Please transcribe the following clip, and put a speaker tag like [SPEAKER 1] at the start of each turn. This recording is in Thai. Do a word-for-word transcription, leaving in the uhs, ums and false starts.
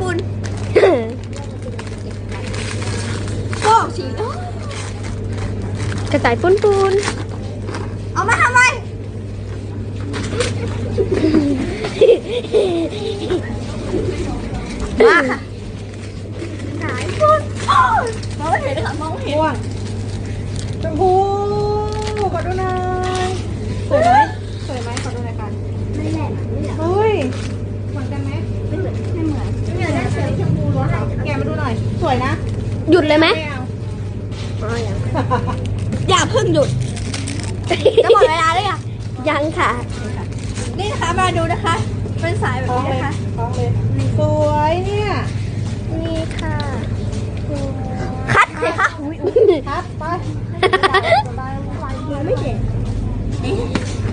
[SPEAKER 1] ปูนโอ้ฉีด
[SPEAKER 2] กระต่ายปุ้นปูน
[SPEAKER 1] เอามาทำไมมาค่ะสายปูนมองไม่เห็นค่ะมองไม่เห็น
[SPEAKER 3] ม่วงชมพูขอดูหน่อยสวยไหมสวยไหมขอดูหน่อยค่ะ
[SPEAKER 1] ไม่แหลมไม่แหลม
[SPEAKER 3] เฮ้ยเหมือนกันไหม
[SPEAKER 1] ไม่เหมือนไม่เหมือนไม่เหมือนได้เสือชมพูล้วน
[SPEAKER 3] แกะมาดูหน่อยสวยนะ
[SPEAKER 2] หยุดเลยไหม
[SPEAKER 3] ไม่เอา
[SPEAKER 1] อย่าเพิ่งหยุดจะหมดเวลาเลยอ่ะ
[SPEAKER 2] ยังค่ะ
[SPEAKER 1] นี่นะคะมาดูนะคะ เป็นสายแบบ
[SPEAKER 3] ท้อง
[SPEAKER 1] นี้
[SPEAKER 3] เลย
[SPEAKER 1] นะคะ
[SPEAKER 3] ท้องเลยสวยเนี่ย
[SPEAKER 2] นี่ค่ะ
[SPEAKER 1] คัดสิคะ
[SPEAKER 3] ครับไป
[SPEAKER 1] ไม่เห็น